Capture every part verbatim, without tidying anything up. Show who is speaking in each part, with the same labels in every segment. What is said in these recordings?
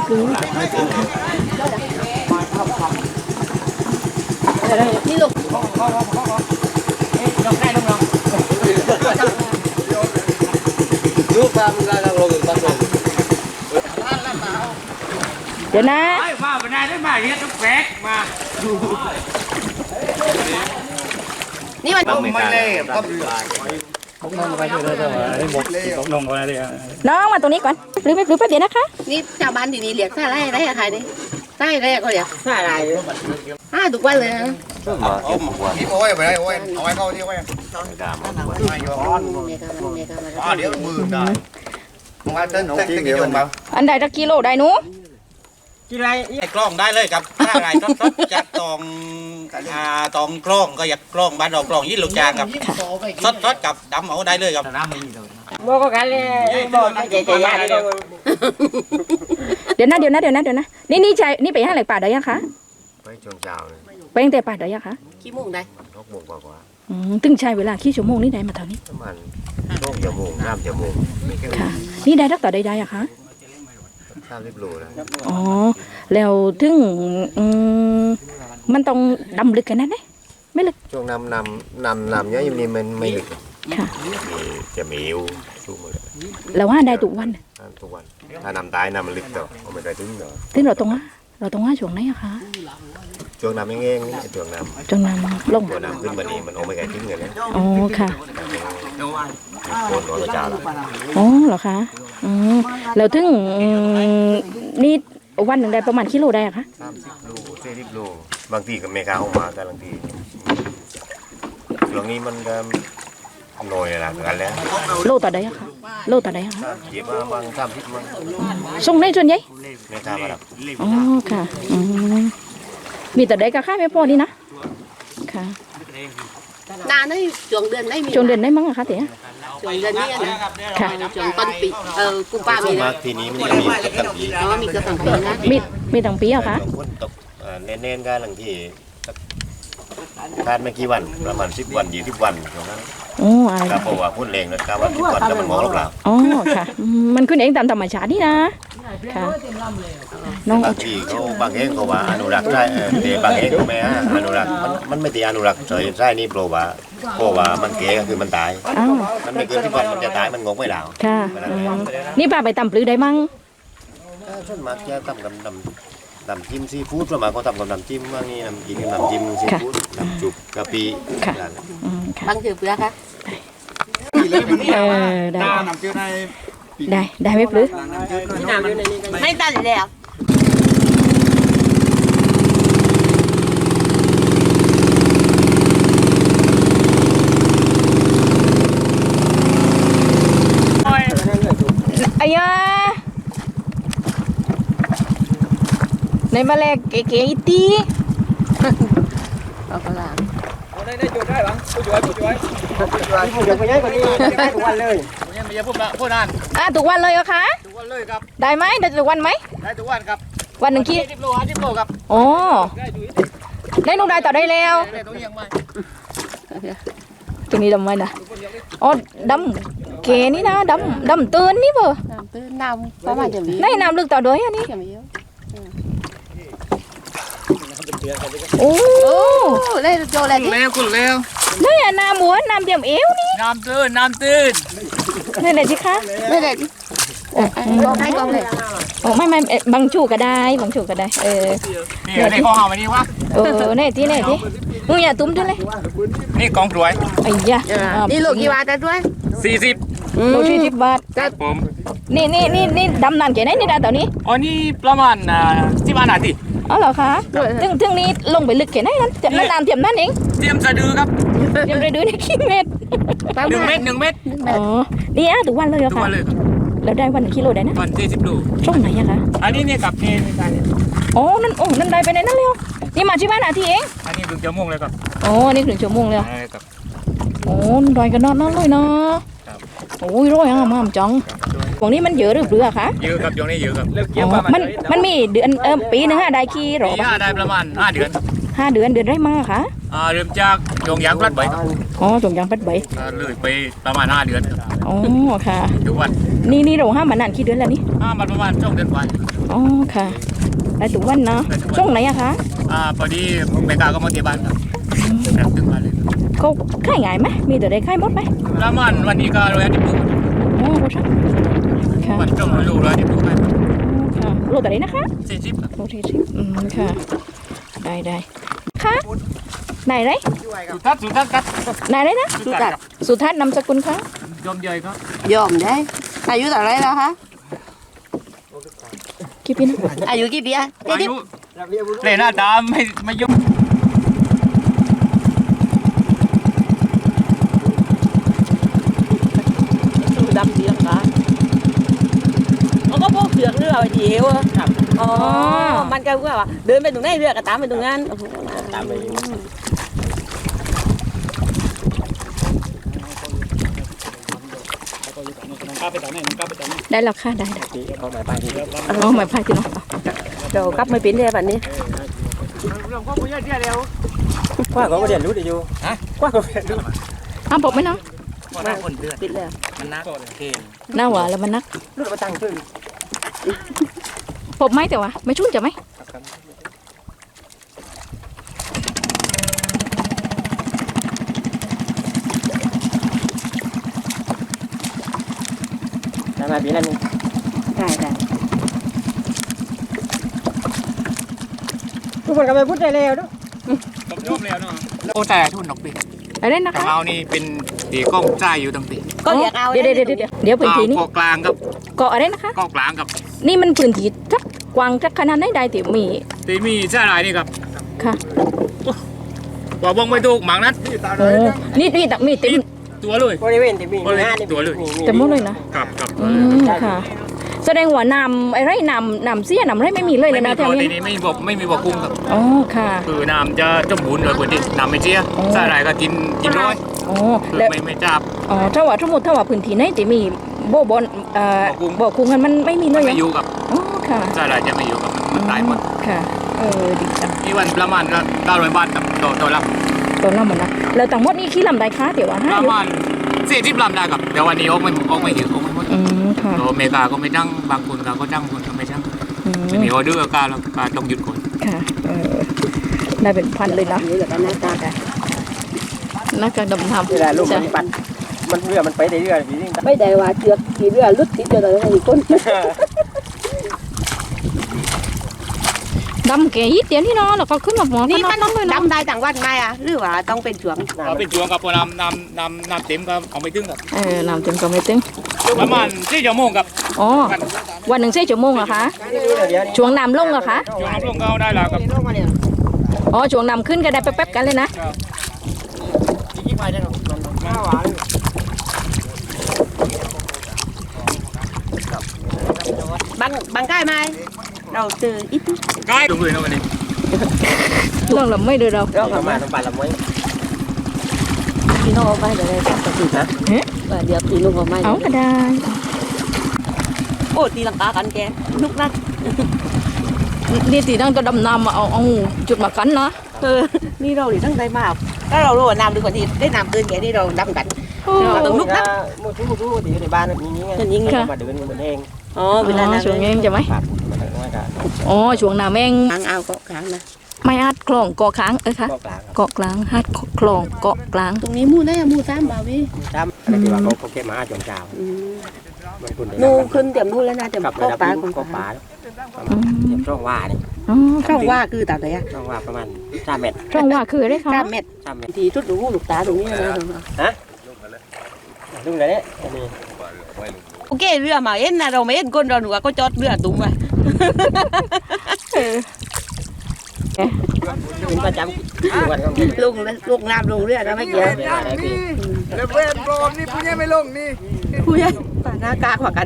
Speaker 1: ไม่รู้นี่ลูกลงได้ลงลงลูกตามกันลงลงตามลงเดี๋ยวนะมาวันนี้ได้มาเรียกตุ๊กแฝกมานี่มันไม่เล่ก็น้องมาตรงนี้ก่อนหรือไม่หรือแป๊บเดียวนะคะนี่ชาวบ้านที่นี่เรียกท่าไรไรอะใครนี่ใต้ไรก็เรียกท่าไรอ่าทุกวันเลยนะ
Speaker 2: ที่โอ้ยไปได้โอ้ยเอาไว้เข้าที่โอ้ยไม่ยอมอ๋อเดี๋ยวมือได้ผมว่าเต้นเต้นกี่โลบ้าง
Speaker 1: อันใดตะกิโลได้หนู
Speaker 3: กี่ไรไอ้กล้องได้เลยครับถ้าอะไรต้นต้นจากตองอ่าตองกล้องก็อยากกล้องบ้านเรากล้องยี่ลูกจางครับซดซดกับดำเอาได้เลยครับน้ำไม่มีเลย
Speaker 1: บอกกันเลยบอกใจใจยาเลยเดี๋ยวนะเดี๋ยวนะเดี๋ยวนะเดี๋ยวนะนี่นี่ใจนี่ไปห้างเหล็กป่าได้ยังคะ
Speaker 2: ไปช่วงเช้าเลย
Speaker 1: ไปตั้งแต่ป่าได้ยังคะ
Speaker 4: กี่โมงได้
Speaker 2: หกโมงกว่า
Speaker 1: อืมตึงใช้เวลากี่ชั่วโมงนี่ได้มาเท่านี้
Speaker 2: ประมาณสองชั่วโมงสามชั่วโมง
Speaker 1: ค่ะนี่ได้รักต่อได้ได้อะคะ
Speaker 2: สามสิบโลนะ
Speaker 1: อ๋อแล้วถึงมันต้องดำลึกกันนั่นไหมไม่ลึก
Speaker 2: ช่วงน้ำน้ำน้ำน้ำเนี้ยอยู่นี่มันไม่ลึก
Speaker 1: ค่ะ
Speaker 2: จะมีอิวชุ่มเลย
Speaker 1: แล้วว่าได้ทุกวัน
Speaker 2: ทุกวันถ้าน้ำตายน้ำมันลึกต่อเอาไม่ได้ถึงต่อ
Speaker 1: ถึงเราตรงว่าเราตรงว่าช่วงไหนอะคะ
Speaker 2: ช่วงน้ำเองๆช่วงน้ำ
Speaker 1: ช่วงน้ำลง
Speaker 2: ช่วงน้ำขึ้นมานี่มันเอาไม่ได้ถึงเลยนะ
Speaker 1: อ๋อค่ะ
Speaker 2: โคนร้อยจ้าละ
Speaker 1: อ๋อเหรอคะอืมแล้วถึงนี่วันหนึ่งได้ประมาณกิโลได้อะคะ
Speaker 2: สามสิบโลสี่สิบโลบางทีก็ไม่กล้าเข้ามาแต่บางทีช่วงนี้มันก็หน่อยละกันแล้ว
Speaker 1: โลต่อได้อะคะโลต่อได้อะคะ
Speaker 2: เก็บมาบางสามสิบมั้ง
Speaker 1: ส่งในส่วนใหญ่
Speaker 2: ไม่กล้ามาหรอก
Speaker 1: อ๋อค่ะอืมมีแต่ได้ก็ค่าไม่พอนี่นะค่ะ
Speaker 4: นานนี่ช่วงเดือนได้มี
Speaker 1: ช่วงเดือนได้มั้งอะคะเต๋อ
Speaker 4: ช่วงเดือนนี้นะ
Speaker 1: ค่ะ
Speaker 4: ช่วงต้นปีเออกุมภาพันธ์
Speaker 2: มีทีนี้มันมีกระตังปี
Speaker 4: อ๋อมีกระตังปีนะ
Speaker 1: มีมีตั้งปีอะคะ
Speaker 2: ฝนตกเน้นๆกันหลังที่คาดไม่กี่วันประมาณสิบวันยี่สิบวันตรงนั้น
Speaker 1: โอ้อะไร
Speaker 2: ครับเพราะว่าพุ่นแรงนะการวันสิบวันแล้วมันมองเรา
Speaker 1: อ๋อค่ะมันขึ้นเองตามธรรมชาตินี่นะค่ะ
Speaker 2: น้องบางทีเขาบางเองเขาว่าอนุรักษ์ได้แต่บางเองเขาไม่ฮะอนุรักษ์มันมันไม่ตีอนุรักษ์ใช่ใช่นี่โปรว่าเพราะว่ามันเก๋ก็คือมันตายมันไม่เกินสิบวันมันจะตายมันงงไม่แล้ว
Speaker 1: ค่ะนี่ป้าไปตำปลือได้มั้ง
Speaker 2: ส่วนมากจะทำกับน้ำน้ำจิ้มซีฟู้ดส่วนมากเขาทำกับน้ำจิ้มว่านี่น้ำกินน้ำจิ้มซีฟู้ดน้ำจุกกะปิ
Speaker 4: บางคือเปลือกค่ะ
Speaker 1: เออได้ได้ได้ไม่ปลื้ม
Speaker 4: ไม่ตัดแล้ว
Speaker 1: ไอ้ยาในมาแลกเก๋ๆอีตี
Speaker 4: เอากระลา
Speaker 3: ได้ได้จุดได้หรอผู้ช่วยผู้ช่วยผู้ช่วยผู้ช่วยไปย้ายคนนี้ได้ทุกวันเลยผมยังไม่จะพูดละพูดนาน
Speaker 1: อ่ะทุกวันเลยเหรอคะ
Speaker 3: ทุกวันเลยครับ
Speaker 1: ได้ไหมได้ทุกวันไหม
Speaker 3: ได้ทุกวันครับ
Speaker 1: วันหนึ่งกี่
Speaker 3: สิบโลห้าสิบโลครับ
Speaker 1: โอ้ได้ลูกได้ต่อได้แล้วตรงนี้ดำไหมนะอ๋อดำเก๋นี่นะดำดำตื่นนี่เบอร์
Speaker 4: ดำตื่นน้ำประมาณจะมี
Speaker 1: ได้น้ำลึกต่อด้วยอันนี้โอ้
Speaker 4: ได้โจอะไร
Speaker 3: นี่แล้วคุณแล้ว
Speaker 1: ได้อะน้ำหมูน้ำเบี่ยมเอวนี่
Speaker 3: น้ำตื่นน้ำตื่น
Speaker 1: นี่ไหนสิคะ
Speaker 4: ไม่ได้ดิกองให้กองเลย
Speaker 1: โอ้ไม่ไม่บางชูก็ได้บางชูก็ได้เออ
Speaker 3: นี่ในข้อหาวันนี้วะ
Speaker 1: เออเนี่ยที่เนี่ยที่มึงอย่าตุ้มด้วยเลย
Speaker 3: นี่กองรวย
Speaker 1: ไอ้ยะ
Speaker 4: นี่ลูกกี่บาทด้วย
Speaker 3: สี่สิบ
Speaker 1: ลูกสี่สิบบาท
Speaker 3: ครับผม
Speaker 1: นี่นี่นี่นี่ดำนานแค่ไหนนี่ดาตอนนี้
Speaker 3: อ๋อนี่ประมาณอ่าสิบห้านาที
Speaker 1: อ๋อเหรอคะถึงถึงนี้ลงไปลึกแค่ไหนนั้นจะนั่นน้ำเทียมนั่นเอง
Speaker 3: เทียมสะดือครับ
Speaker 1: เทียมสะดือนี่กี่เมตร
Speaker 3: หนึ่งเมตรหนึ่งเมตร
Speaker 1: อ๋อนี่อ่ะทุกวันเลยเหรอคะ
Speaker 3: ทุกวันเลยครับ
Speaker 1: แล้วได้วันกิโลได้นะ
Speaker 3: วันสี่สิบโล
Speaker 1: ช่องไหนอะคะ
Speaker 3: อันนี้เนี่ยกับเทน
Speaker 1: อ๋อนั่นโอ้นั่นได้ไปไหนนั่นเร็วนี่มาที่บ้านอาทีเอง
Speaker 3: อันนี้ถึงชั่วโมงเลยครับ
Speaker 1: อ๋อนี่ถึงชั่วโมงเลย
Speaker 3: ครับ
Speaker 1: โอ้ดอยกันนอนนั่นเลยนะโอ้ยร้อยอ่ะมามจังพวกนี้มันเยอะหรือเปล่าคะ
Speaker 3: เยอะครับช่วงนี้เยอะครับ
Speaker 1: มันมันมีเดือนเออปีหนึ่งอะได้กี่หรอ
Speaker 3: ปีห้าได้ประมาณห้าเดือน
Speaker 1: ห้าเดือนเดือนได้มาค่ะ
Speaker 3: อ่าเริ่มจากจงยางพลัดใบ
Speaker 1: อ๋อจงยางพลัดใบ
Speaker 3: เลยไปประมาณห้าเดือน
Speaker 1: อ๋อค่ะ
Speaker 3: ทุกวัน
Speaker 1: นี่นี่เราห้ามมานานกี่เดือนแล้วนี่
Speaker 3: ห้ามมาประมาณสองเดือนกว่า
Speaker 1: อ
Speaker 5: อ๋อค่ะไปทุกวันเนาะช่วงไหนอะคะ
Speaker 3: อ่าพอดีเมกาก็มาที่บ้านครับแบบถึงมาเลย
Speaker 5: เขาขายง่ายไหมมีแต่ได้ขายหมดไหม
Speaker 3: แล้วมันวันนี้ก็ร้อยยี่สิบ
Speaker 5: โอ้โหค่ะ
Speaker 3: วันจงรู้ร้อยยี่สิบกัน
Speaker 5: ค่ะโลแต่ไหนนะคะ
Speaker 3: สี่สิบ
Speaker 5: โลที่สิบอืมค่ะได้ได้ค่ะไหนไร
Speaker 3: สุดทัศน์สุดทัศน์ครับ
Speaker 5: ไหนไรนะ
Speaker 3: สุดทัศน์
Speaker 5: สุทัศน์นามสกุลคะ
Speaker 3: ยอมเยยครับ
Speaker 4: ยอมได้อายุเท่าไรแล้วคะ
Speaker 5: กี่ปีนะ
Speaker 4: อายุกี่ปีอะเจ็ด
Speaker 3: อา
Speaker 4: สิบ
Speaker 3: ยุเล่นหน้าตาไม่ไม่ยุ่ง
Speaker 1: ดำเสียงค่ะเขาก็พวกเสือกเรือไปเที่ยวอะอ๋อมันก็ว่าเดินไปตรงไหนเรือก็ตามไปตรงนั้นตามไป
Speaker 5: ได้แล้วค่ะได้ได้เอาหมายพายที่น้อง
Speaker 1: เดี๋ยวกลับไม่เป็นเลยแบบนี้
Speaker 6: กว่าก็ไม่เรียนรู้ดีอยู่ฮะกว่าก็ไม่เรียนรู้
Speaker 5: อ้าวบอกไหมน้อง
Speaker 3: มาคนเดือน
Speaker 1: ปิดแล้ว
Speaker 3: มันนักเกณฑ์
Speaker 5: หน้าหวานแล้วมันนัก
Speaker 6: รู้มาตั้งขึ้น
Speaker 5: ปบไหมแต่ว่าไม่ชุ่นจะไหม
Speaker 6: ทำมาปีนั้นนี่
Speaker 1: ได้ได้
Speaker 6: ทุกคนก็ไปพูดได้แล้วด้วย
Speaker 3: ตบยอมแล้วเนาะโอ้แต่ทุนดอกปี
Speaker 5: อะไรนะ
Speaker 3: ของ
Speaker 5: คะ
Speaker 3: เรานี่เป็นตีกล้องใจอยู่ตั้งปี
Speaker 1: ก็อยากเอา
Speaker 5: เดี๋ยวเดี๋ยวเดี๋ยวเดี๋ยวเดี๋ยวพื้นที่นี้
Speaker 3: เกาะกลางครับ
Speaker 5: เกาะอะไรนะคะ
Speaker 3: เกาะกลางครับ
Speaker 5: นี่มันพื้นที่จักกว้างจักขนาดไหนได้ที่มี
Speaker 3: ตีมีเสื้อลายนี่ครับ
Speaker 5: ค่ะ
Speaker 3: ว่าบ้องไม่ถูกหมังนั้น
Speaker 5: โอ้นี่นี่ตักมีเต็ม
Speaker 3: ตัวเลย
Speaker 6: บริเวณที่มี
Speaker 3: บริเวณ
Speaker 6: งานนี่
Speaker 3: ตัวเลย
Speaker 5: เต็มหมดเลยนะ
Speaker 3: ครับครับ
Speaker 5: อืมค่ะ แสดงว่านำไอ้ไรนำนำเสียนำไรไม่มีเลย
Speaker 3: ไม่
Speaker 5: เลย
Speaker 3: มี
Speaker 5: นะ
Speaker 3: โป
Speaker 5: แถ
Speaker 3: ร
Speaker 5: ว
Speaker 3: ตี
Speaker 5: นี้
Speaker 3: นไม่มีบอกไม่มีบอกกุ้งครับ
Speaker 5: อ๋อค่ะ
Speaker 3: คือน้ำจะจมบุญเลยคนที่น้ำไม่เจี๊ย
Speaker 5: อ๋อ
Speaker 3: ใส่อะไรก็กินกินร้อย
Speaker 5: อ๋อ
Speaker 3: คือ
Speaker 5: แล้ว
Speaker 3: ไม่ไม่จับ
Speaker 5: อ๋อถ้าว่าทั้งหมดถ้าว่าพื้นที่ไหนที่มีโบบอนเอ่อ
Speaker 3: บ่อกุ้ง
Speaker 5: บ่อกุ้งกันมันไม่มีเลย
Speaker 3: ไม่อยู่กับ
Speaker 5: อ๋อค่ะ
Speaker 3: ใส่อะไรจะไม่อยู่กับมันมันตายหมด
Speaker 5: ค่ะเออดีจัง
Speaker 3: นี่วันประมาณก็เก้าร้อยบาทกับต่อต่อล
Speaker 5: ตัวน้ำมันนะแล้วต่างหมดนี่ขี้ลำได้คะเดี๋ยวว่า
Speaker 3: ำ
Speaker 5: ห้า
Speaker 3: ประ
Speaker 5: อยู่
Speaker 3: มาณสี่สิบลำได้ครับแต่วันนี้ออกไม่ออกไม่ถึงออกไม่หมด
Speaker 5: อืมค่ะ
Speaker 3: ตัวอเมริกาก็ไม่จ้างบางคนก็จ้างคนก็ไม่จ้าง
Speaker 5: อืม
Speaker 3: ไม่มีออเดอร์ก็แล้วก็ต้องหยุดก่อน
Speaker 5: ค่ะเออได้เป็นพันเลยนะ
Speaker 1: นี่แหละกันหน้าตากัน
Speaker 5: นักการดำน้ำ
Speaker 6: เวลาลูกมันปัดมันเรือมันไปได้เรื่อยๆพี่นี่
Speaker 1: ไม่ได้ว่าเจือกขี่เรือลุดติดเจอแต่ละคน
Speaker 5: ดำแก่ยี่เตียนที่นอนแล้วก็ขึ้นมาหมอ
Speaker 4: นี่
Speaker 5: นี่
Speaker 4: มัน
Speaker 5: ต้องเลยนะ
Speaker 4: ดำได้ต่างวันไหมอ่ะหรือว่าต้องเป็นช่วง
Speaker 3: เอาเป็นช่วงกับพอน้ำน้ำน้ำน้ำเต็มก็เอาไม่ถึงครับ
Speaker 5: เออน้ำเต็มก็ไม่เต็ม
Speaker 3: ประมาณสี่ชั่วโมงครับ
Speaker 5: อ๋อวันหนึ่งใช้ชั่วโมงเหรอคะ
Speaker 6: เดี๋ยวนี้
Speaker 5: ช่วงน้ำลงเหรอคะ
Speaker 3: ช่วงน้ำลงก็เอาได้แล้วครับ
Speaker 5: อ๋อช่วงน้ำขึ้นก็ได้แป๊บๆกันเลยนะ
Speaker 6: กี่ไปได้หรอมันหวาน
Speaker 4: บางบางใกล้ไหมเราเจออีก
Speaker 3: ใกล้ลงเลยนะวันนี้
Speaker 5: ลองลำไม่เดือดเรา
Speaker 6: เราประมาณน้ำปลาละม้วย
Speaker 1: พี่น้องเอาไปเดี๋ยวเลยตัดสินนะเดี๋ยวพี่น้องเอาไป
Speaker 5: เอาก็ได้
Speaker 1: โอ้ตีลังกากันแกนุกนัก
Speaker 5: นี่ตีนั่งก็ดำน้ำมาเอาเอาจุดมากันนะ
Speaker 1: เออนี่เราหลีทั้งใจมากถ้าเรารู้ว่าน้ำดีกว่าที่ได้น้ำเกินแกนี่เราดำกัน
Speaker 5: โอ้
Speaker 1: เราต้องลุกนะ
Speaker 6: มูทูมูทูตีในบ้านมีนี้ไงมาเดินเหมือนเอง
Speaker 1: อ๋อเวลานั้น
Speaker 5: ช่วงนี้จะไหม
Speaker 6: ปากมันไม่ได้
Speaker 5: อ๋อช่วงน้ำแมง
Speaker 1: ค้างเอาก็ค้างนะ
Speaker 5: ไม่อาจคลองเกาะค้างเออค่ะ
Speaker 6: ก็กลาง
Speaker 5: เกาะกลางฮัดคลองเกาะกลาง
Speaker 1: ตรงนี้มู่ได้มู่ซ้ำบ่าวิ
Speaker 6: ดำอะไรที่ว่าเขาเขาเก็บมาจนเจ้ามันคุณ
Speaker 1: นูขึ้นเต็มนู่นแล้วนะเต็ม
Speaker 6: กับ
Speaker 1: ก็
Speaker 6: ระดับ
Speaker 1: ปลา
Speaker 6: นี้
Speaker 1: ของ
Speaker 6: ก็
Speaker 1: ป
Speaker 6: ป
Speaker 1: ลา
Speaker 6: ลาเก็บช่องว่านี่
Speaker 5: อ๋อ
Speaker 1: ช่องว่าคือตาไหนอะ
Speaker 6: ช่องว่าประมาณสามเมตร
Speaker 5: ช่องว่าคืออะไรคะ
Speaker 1: สามเม็ด
Speaker 6: สามเมตร
Speaker 1: ทีทุดดูลูกตาตรงนี้นะ
Speaker 6: ลุงเลยเนี่ยอันนี้
Speaker 1: โอเคเรือมาเอ็นนะเราไม่เอ็นก้นเราหนูก็จอดเรือตุ้มไป
Speaker 6: เป็นประจำวันของ
Speaker 1: ลงลงน้ำลงเรือเราไม่เกี่ยว
Speaker 7: แล้วเพื่อนปลอมนี่ผู้ใหญ่ไม่ลงนี่
Speaker 1: ผู้ใหญ่หน้ากากกว่ากัน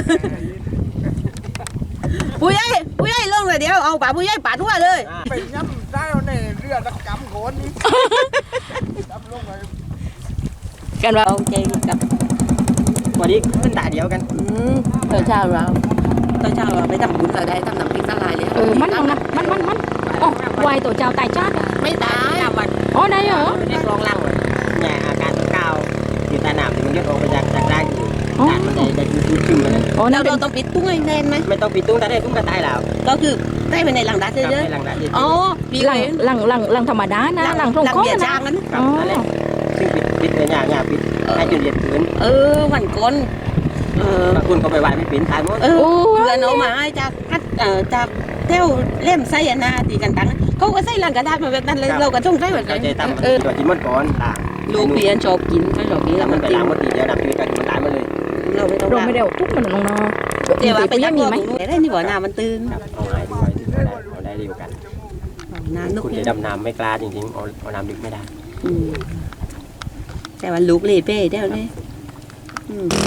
Speaker 1: ผู้ใหญ่ผู้ใหญ่ลงเลยเดี๋ยวเอาป่าผู้ใหญ่ป่าทั่วเลย
Speaker 7: ไปย้ำได้เอาในเรือตะกำโขนนี่จับลงไป
Speaker 5: กันว่า
Speaker 1: เอาใจกับ
Speaker 6: วันนี้ขึ้นตาเดียวกัน
Speaker 1: ตอนเช้าเราตอนเช้าเราไปทำบุญเราได้ทำน้ำพริกละลายเลย
Speaker 5: เออมันเอานะมันมันมันอ๋อวายตัวเจ้าตายจ้า
Speaker 1: ไม่ตาย
Speaker 5: อ๋อได้เหรอ
Speaker 6: เรียกร้องลังเลยเนี่ยอาการก้าวอยู่ตาหนามมันยกออกไปจากจากได้อยู่
Speaker 5: อ๋อ
Speaker 6: มันได้ได้ชุ่มๆเลย
Speaker 5: อ๋อนั่
Speaker 1: เรา
Speaker 5: นเป็น
Speaker 1: เราต้องปิดตุ้งให้แน่นไหม
Speaker 6: ไม่ต้องปิดตุ้งแต่ได้ตุ้งก็ตายแล้ว
Speaker 1: ก็คือได้ไปในหลังดัด
Speaker 6: ครับ
Speaker 1: เยอะ
Speaker 6: ให้หลังได้
Speaker 1: ๆอ๋อพี่
Speaker 5: หลัง
Speaker 1: เอง
Speaker 5: หลังหลังหลังธรรมดานะหลังตรง
Speaker 1: หลัง
Speaker 5: ก้อ
Speaker 1: เบียร์
Speaker 5: นะ
Speaker 1: จางนั้น
Speaker 6: ครับนั่นแหละซึ่งปิดปิดเลยเนี่ยเนี่ยปิดให้จนเรียนพื้น
Speaker 1: เออวันก่อนเออบ
Speaker 6: างคนก็ไปไหว้ไม่ปิดตายหมด
Speaker 1: เออเพื่อนเอามาให้จากคัดเอ่อจากเท่วเล่มไส้นาตีกันตังเขาก็ใส่หลังกระดาษมาแบบนั้นเลยเราก็ต้องใส่แบบ
Speaker 6: เรา
Speaker 1: นั้น
Speaker 6: ใจตั้ม
Speaker 1: เออ
Speaker 6: ตัวกินมันก่อนล่ะ
Speaker 1: ลูกเพียนชอบกินเขาชอบกินแล้ว
Speaker 6: มั
Speaker 1: มัน น
Speaker 6: ไป
Speaker 1: ติ
Speaker 6: ล้างมันตีเดียวดับชีวิตกันมันตายมาเลย
Speaker 1: เราไม่ต้อง
Speaker 5: เราไม่ได้เอาทุกมันลงเนาะ
Speaker 1: เดี๋ยวว่าไป
Speaker 5: ยั
Speaker 1: ยัง ง
Speaker 5: มี
Speaker 1: มี
Speaker 5: ไห
Speaker 1: ไห
Speaker 5: ม
Speaker 1: มได้นี่บ่น้ำมันตื่น
Speaker 6: ครับเอาง่ายดีกว่าที่เราได้เราได้เร็วกัน
Speaker 1: น้ำนุก
Speaker 6: คุณ
Speaker 1: เนี่
Speaker 6: จะ
Speaker 1: ย
Speaker 6: ดำน้ำไม่กล้าจริงๆเอาเอาน้ำดึกไม่ได้
Speaker 1: อืมแต่ว่าลูกเลยเป้เด้วเลยอืม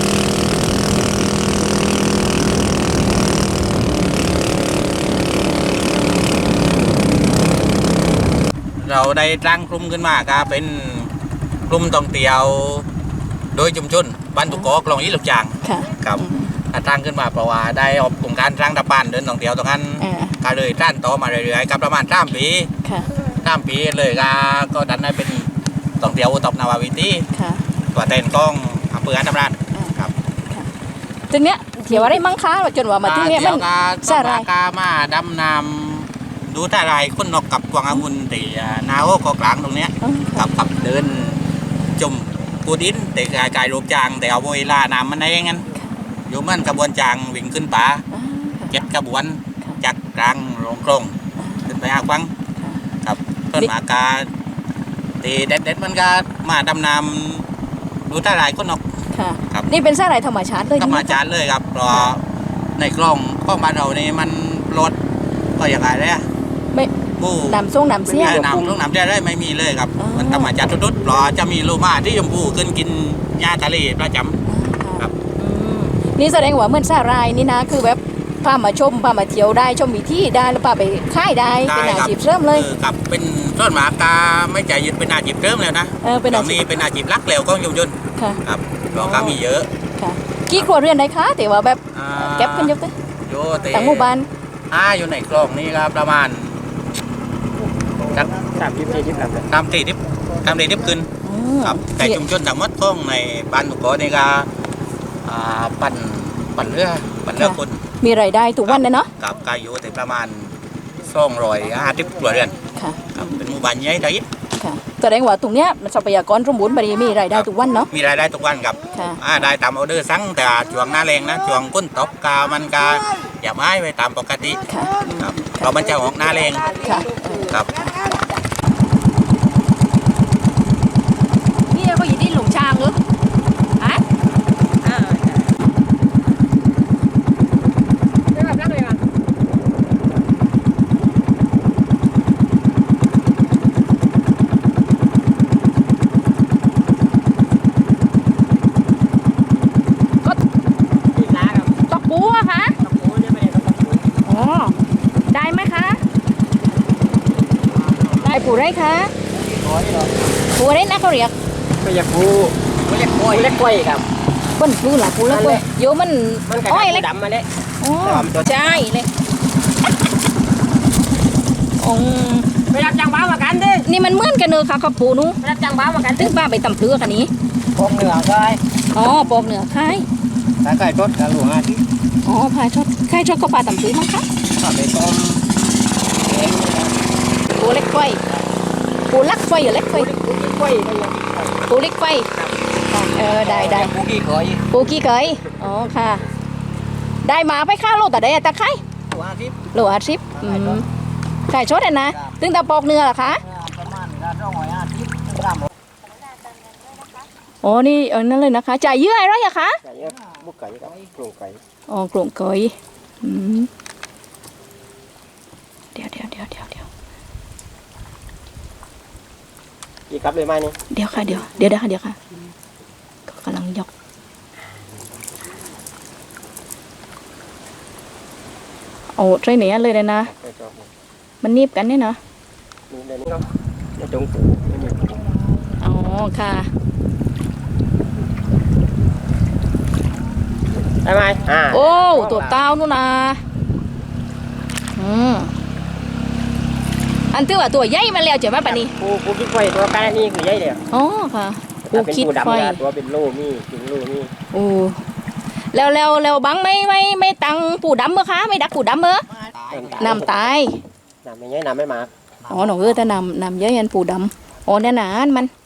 Speaker 3: เราได้ตั้งกลุ่มขึ้นมาครับเป็นกลุ่มท่องเที่ยวโดยชุมชนบ้านตุกกอกลองยี่หลกจาง
Speaker 5: ค่ะ
Speaker 3: ครับตั้งขึ้นมาเพราะว่าได้ออกโครงการสร้างดับบ้านเดินท่องเที่ยวตรงนั้น
Speaker 5: อ่า
Speaker 3: ก็เลยสร้างต่อมาเรื่อยๆครับประมาณสามปี
Speaker 5: ค่ะ
Speaker 3: สามปีเลยก็ก็ดันได้เป็นท่องเที่ยวตบนาวาวิตี
Speaker 5: ค่ะ
Speaker 3: ตัวเต้นกล้องอำเภออันดำรันครับ
Speaker 5: ทีเนี้ยเที่ยวอะไรมั่งคะจนว่ามาที่เนี้ยมัน
Speaker 3: ก็
Speaker 5: สาหร่าย
Speaker 3: กามาดำน้ำดูท่าไรายคนนกกับกวางองุ่นตีนาโอก็กลางตรงเนี้ย
Speaker 5: อ๋อ
Speaker 3: กับกับเดินจุ่มกูดินแต่กายกายรูปจางแต่เอาเวลาน้ำมันได้งั้นอยู่มันกระบวนจางวิ่งขึ้นป่า
Speaker 5: อ่า
Speaker 3: เจ็ดกระบวนจากกลางลงกรงขึ้นไปหาฟังครับต้นหมากาตีเด็ดเด็ดๆมันก็มาดำน้ำดูท่าไรายคนนก
Speaker 5: ค่ะ
Speaker 3: ครับ
Speaker 5: นี่เป็นสาหร่ายธรรมชาติเลย
Speaker 3: ธรรมชาติเลยครับเพราะในกล้องข้องบ้านเรานี่มันรถก็อย่างไรเลยอะ
Speaker 5: ไม่
Speaker 3: บู้
Speaker 5: น้ำส้มน้ำเสี้ย
Speaker 3: แม่น้ำลูกน้ำได้ได้ไม่มีเลยครับ
Speaker 5: อ๋อ
Speaker 3: มันธรรมชาติทุดๆเพราะจะมีโลมาที่ชมพูขึ้นกินหญ้าทะเลประจำ ครับ
Speaker 5: อืมนี่แสดงว่าเหมือนสาหร่ายนี่นะคือแบบพามาชมพามาเที่ยวได้ชมวิธีได้แล้วพาไปค่ายได้เป็นอาชีพเสริมเลย
Speaker 3: ออครับเป็นต้นหมากาไม่ใจยึดเป็นอาชีพเริ่มแล้วนะ
Speaker 5: เออเป็น
Speaker 3: ต
Speaker 5: อา
Speaker 3: อน
Speaker 5: ชี
Speaker 3: นี้
Speaker 5: พ
Speaker 3: เป็นอาชีพหลักแล้วก็ยุยน
Speaker 5: ค่ะ
Speaker 3: ครับเพราะก็มีเยอะ
Speaker 5: ค่ะกี่ครัวเรือนได้คะแต่ว่าแบบ
Speaker 3: อ่า
Speaker 5: เก็บกันเยอะเลย
Speaker 3: โยเต
Speaker 5: ต่างหมู่บ้าน
Speaker 3: อ่าอยู่ในกล้องนี่ครับประมาณสัก
Speaker 6: สามยี่สิบยี่สิบครับ
Speaker 3: ตามตีทิพตามตีทิพขึ้น
Speaker 5: อืม
Speaker 3: ครับแต่ชุมชนต่างหมดของในบ้านตุกโกนี่ก็อ่าปั่นปั่นเรือปั่นเรือคน
Speaker 5: มีรายได้ทุกวันเลยเนาะ
Speaker 3: กับกายุแต่ประมาณสองร้อยห้าสิบครัวเรือน
Speaker 5: ค่ะ
Speaker 3: ครับเป็นหมู่บ้านใหญ่ได้
Speaker 5: ค่ะแสดงว่าตรงเนี้ยมันทรัพยากรสมบูรณ์บริมีรายได้ทุกวันเนาะ
Speaker 3: มีรายได้ทุกวันครับ
Speaker 5: ค่ะ
Speaker 3: อ่าได้ตามออเดอร์สั่งแต่ช่วงหน้าแรงนะช่วงก้นตกกามันกาอย่าไม้ไปตามปกติ
Speaker 5: ค่ะ
Speaker 3: ครับเรามันจะออกหน้าแรง
Speaker 5: ค่ะ
Speaker 3: ครับ
Speaker 5: นี่ก็อยู่ที่หลงช้างเหรอฮะไม่แบบนั้นเลยอ่ะตอกปูอะคะอ๋อได้ไหมคะ ได้ปูได้คะปูได้นะเขาเรียก
Speaker 6: ไม่อยากพูไม่เล็กกล้วยเล็กกล้วยครับ
Speaker 5: เป็นปูหล่ะปูแล้ว
Speaker 6: นั่น
Speaker 5: ปู
Speaker 6: แหละ
Speaker 5: โยมัน
Speaker 6: มันกระ
Speaker 5: อ้อย
Speaker 6: ดา
Speaker 5: เล็
Speaker 6: ษ
Speaker 5: ก
Speaker 6: ดำมาเลย
Speaker 5: อ๋อใช่เลยอ๋อ
Speaker 4: ไปรับจ้างบ้ามากันดิ
Speaker 5: นี่มันเหมือนกันเนอะค่ะกับปูนู้
Speaker 4: ไปรับจ้างบ้ามากัน
Speaker 5: ตึ้งป้าไปตำเพือกันนี้
Speaker 6: พวกเหนือใช่
Speaker 5: อ๋อปอกเหนือค่าย
Speaker 6: ถ้าใครรถกระหลวงอาทิตย์
Speaker 5: อ๋อพายชดค่ายชดก็ปลาตำเพือมั้งคะ
Speaker 6: ก็ไปต้ม
Speaker 5: ปูเล็กไฟปูลักไฟหรือเล็กไฟ
Speaker 6: กล้วยนี่
Speaker 5: ปูเล็กไฟค่ะเออได้ได้
Speaker 6: พวกกี่กล้วย
Speaker 5: ปูกี่เคยอ๋อค่ะ ได้มาไปค่าโลแต่ได้ตะไคร้
Speaker 6: ตัวอาทิตย์
Speaker 5: โลอาชิปอืมขายชดอะนะตึงตาปอกเนื้อเหรอคะ
Speaker 6: ประมาณการร้อยอาทิตย์กรัม
Speaker 5: อ๋อนี่เออนั่นเลยนะคะจ่ายเยื่ออะไรอะคะ
Speaker 6: ไก่บุกไก่กับโครงไก่
Speaker 5: อ๋อกลุ่มเกยอืมเดี๋ยวเดี๋ยวเดี๋ยวเดี๋ยวเดี๋ยว
Speaker 6: กี่ครับเลยไหมนี่
Speaker 5: เดี๋ยวค่ะเดี๋ยวเดี๋ยวเดี๋ยวค่ะเดี๋ยวค่ะก็กำลังยกโอ้ใช่เนี้ยเลยเลยนะ
Speaker 6: ไปจอบ
Speaker 5: มันนีบกันเนี่ยนะ
Speaker 6: นี่เดี๋ยวนี้ก็จะจงปูนี่นี่
Speaker 5: อ๋อค่ะ
Speaker 6: ได้ไหมอ่า
Speaker 5: โอ้ตัวเต้านู่นนะอืมอันที่ว่าตัวใหญ่มาแล้วเจ๋งไหมปะนี่
Speaker 6: ปูปูกี่กล้วยตัวการนี่คือใหญ่เลย
Speaker 5: อ๋อค่ะ
Speaker 6: ปู
Speaker 5: ปูคิดไฟ
Speaker 6: ตัวเป็นลูมีกินลูมี
Speaker 5: โอ้แล้วแล้วแล้วบังไม่ไม่ไม่ตังปูดำเมื่อคะไม่ดักปูดำเมื่อน้ำตาย
Speaker 6: น้ำไม่ใช่น้ำไม่มาก
Speaker 5: อ๋อหนูเออแต่น้ำน้ำเยอะยันปูดำอ๋อเนี่ยนานมัน